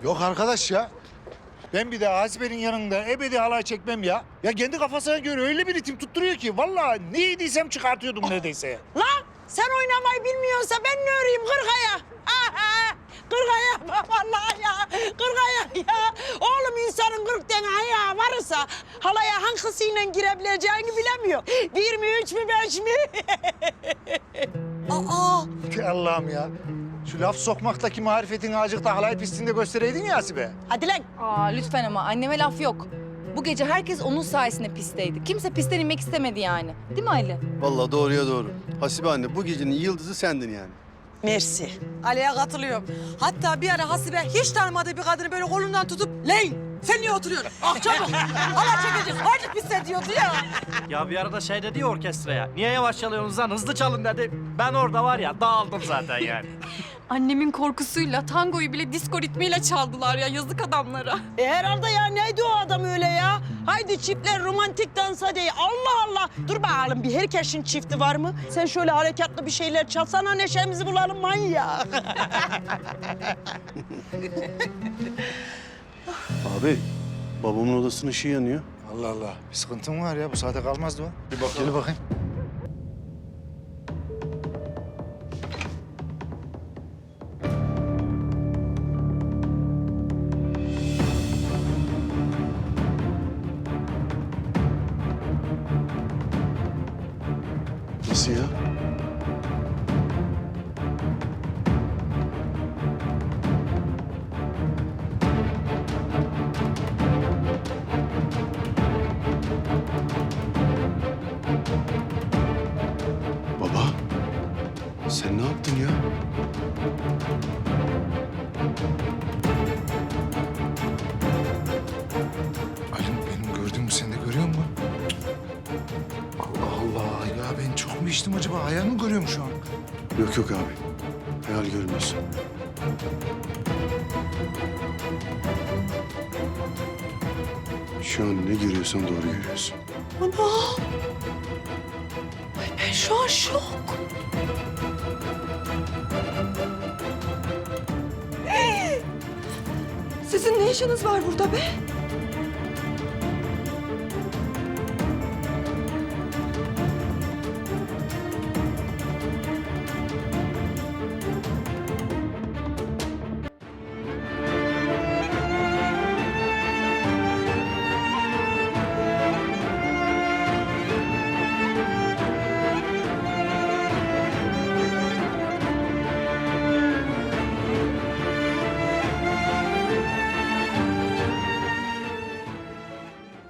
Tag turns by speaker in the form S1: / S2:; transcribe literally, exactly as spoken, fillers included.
S1: Yok arkadaş ya. Ben bir de Hasibe'nin yanında ebedi halay çekmem ya. Ya kendi kafasına göre öyle bir ritim tutturuyor ki vallahi ne yediysem çıkartıyordum neredeyse.
S2: Lan sen oynamayı bilmiyorsa ben ne öreyim kırkaya? Aha! Kırkaya vallahi ya. Kırkaya ya. Oğlum insanın kırk tane ayağı varsa halaya hangisiyle girebileceğini bilemiyor. Bir mi, üç mü, beş mi? Aa!
S1: Allah'ım ya. Şu laf sokmaktaki marifetini azıcık da halay pistinde göstereydin ya Hasibe.
S2: Hadi lan.
S3: Aa lütfen ama anneme laf yok. Bu gece herkes onun sayesinde pistteydi. Kimse pistten inmek istemedi yani. Değil mi Ali?
S4: Vallahi doğruya doğru. Hasibe anne bu gecenin yıldızı sendin yani.
S2: Mersi.
S5: Ali'ye katılıyorum. Hatta bir ara Hasibe hiç tanımadığı bir kadını böyle kolundan tutup "Leyn, sen niye oturuyorsun? Ah çabuk, hala çekeceğiz, artık biz sen" diyordu ya.
S6: Ya bir arada şey dedi ya orkestraya. Niye yavaş çalıyorsunuz lan? Hızlı çalın dedi. Ben orada var ya dağıldım zaten yani.
S3: Annemin korkusuyla tangoyu bile disco ritmiyle çaldılar ya yazık adamlara.
S2: E herhalde ya neydi o adam öyle ya? Haydi çiftler romantik dans hadi. Allah Allah. Dur bakalım bir herkesin çifti var mı? Sen şöyle harekatlı bir şeyler çalsana neşemizi bulalım manyak.
S4: Abi babamın odasının ışığı yanıyor.
S1: Allah Allah. Bir sıkıntın var ya. Bu saate kalmazdı o. Bir bak. Gel bakayım.
S4: Nasıl ya? Baba, sen ne yaptın ya?
S1: Halim benim gördüğümü sen de görüyor musun? Allah Allah. Ya ben çok mu içtim acaba? Hayal mi görüyorum şu an?
S4: Yok yok abi. Hayal görmüyorsun. Şu an ne görüyorsan doğru görüyorsun.
S5: Ana! Ay ben şu an şok. Sizin ne işiniz var burada be?